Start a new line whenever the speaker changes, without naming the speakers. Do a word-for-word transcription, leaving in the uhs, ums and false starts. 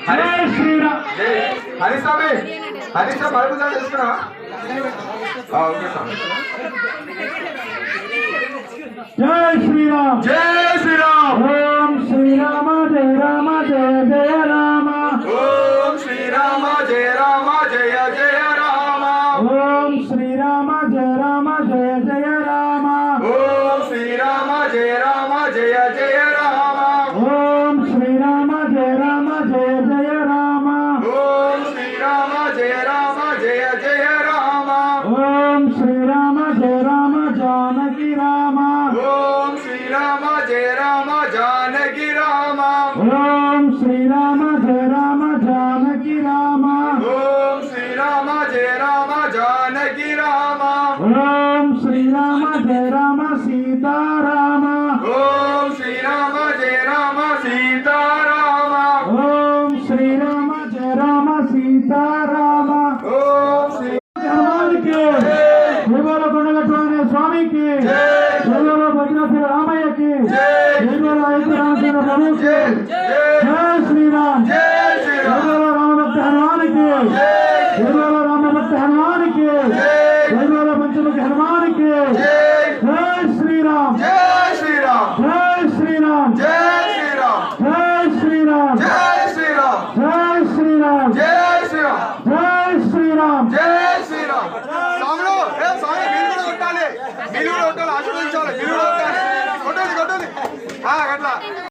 జై శ్రీరామ్.
హరి స్వామి హరి స్వామి మరొకసారి తెలుసుకున్నా ఓకే స్వామి.
జై శ్రీరామ్.
జై శ్రీరామ్.
ఓం శ్రీరామ జయ రామ జయ జయ రామ.
ఓం శ్రీరామ జయ రామ జయ జయ రామ.
ఓం శ్రీరామ జయ రామ జయ జయ రామ.
ఓం శ్రీరామ జయ రామ జయ జయ రామ.
ఓం శ్రీరామ జయ రామ జయ జయ రామ.
ఓం శ్రీరామ జయ రామ జయ జయ రామ.
ఓం శ్రీరామ జయ రామ జానకి రామ.
ఓం శ్రీరామ జయ రామ జానకి రామ.
ఓం శ్రీరామ జయ రామ జానకి రామ.
ఓం శ్రీరామ జయ రామ జానకి రామ.
ఓం శ్రీరామ జయ రామ సీతారామ.
ఓం శ్రీరామ జయ రామ సీతారామ.
ఓం శ్రీరామ జయ రామ సీతారామ.
ఓం శ్రీ
హనుమానికి దేవాల కొండగట్టు స్వామికి దేవాల భద్రాద్రి రామయ్యకి దేవాల ఐదు రామచంద్ర ప్రభుకి జై శ్రీరామ్.
జై శ్రీరామ్.
దేవాల రామభక్త హనుమానికి దేవాల రామభక్త హనుమానికి దేవాల పంచముఖి హనుమానికి జై శ్రీరామ్.
జై శ్రీరామ్.
జై శ్రీరామ్.
జై శ్రీరామ్.
జై శ్రీరామ్.
జై శ్రీరామ్.
జై శ్రీరామ్.
జై శ్రీరామ్.
జై శ్రీరామ్.
జై శ్రీరామ్. స్వాములు ఏ స్వామి మీరు కూడా కొట్టాలి మీరు కూడా కొట్టాలి ఆశీర్వదించాలి మీరు కూడా కొట్టాలి కొట్టాలి కొట్టాలి అట్లా